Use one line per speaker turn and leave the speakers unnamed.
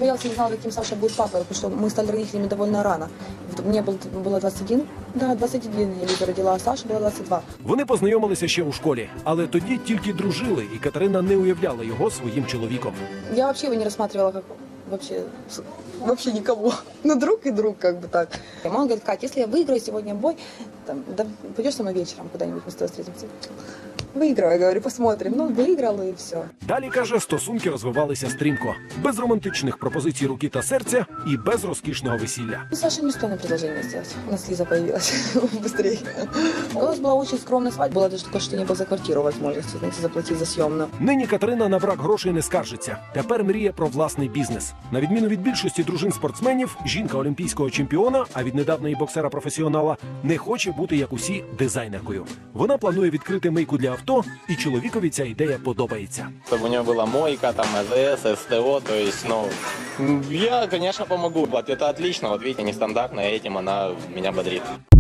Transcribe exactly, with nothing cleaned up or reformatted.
боялась, не знала, каким Саша будет папой, потому что мы стали родителями довольно рано. Мне был, было двадцать один, да, двадцять один я Лизу родила, а Саша было двадцять два.
Вони познайомилися ще у школі, але тоді тільки дружили, і Катерина не уявляла його своїм чоловіком.
Я вообще его не рассматривала как вообще, вообще никого. Ну, друг и друг, как бы так. И мама говорит: Кать, если я выиграю сегодня бой, там, да, пойдешь со мной вечером куда-нибудь, мы с тобой встретимся? Выиграю, я говорю, посмотрим. Ну, выиграла и все.
Далі, каже, стосунки розвивалися стрімко. Без романтичних пропозицій руки та серця і без розкішного весілля.
Ну, Саша не успела предложение сделать. У нас Лиза появилась быстрее. У нас была очень скромная свадьба. Было даже такое, что не было за квартиру возможности, знаете, заплатить за съемную.
Нині Катерина на брак грошей не скаржиться. Тепер мріє про власний бізнес. На відміну від більшості дружин-спортсменів, жінка олімпійського чемпіона, а від недавньої боксера-професіонала, не хоче бути, як усі, дизайнеркою. Вона планує відкрити мийку для авто, і чоловікові ця ідея подобається.
Чтобы у него была мойка, там, АЗС, СТО, то есть, ну, я, конечно, помогу. Вот это отлично, вот видите, нестандартно, и этим она меня бодрит.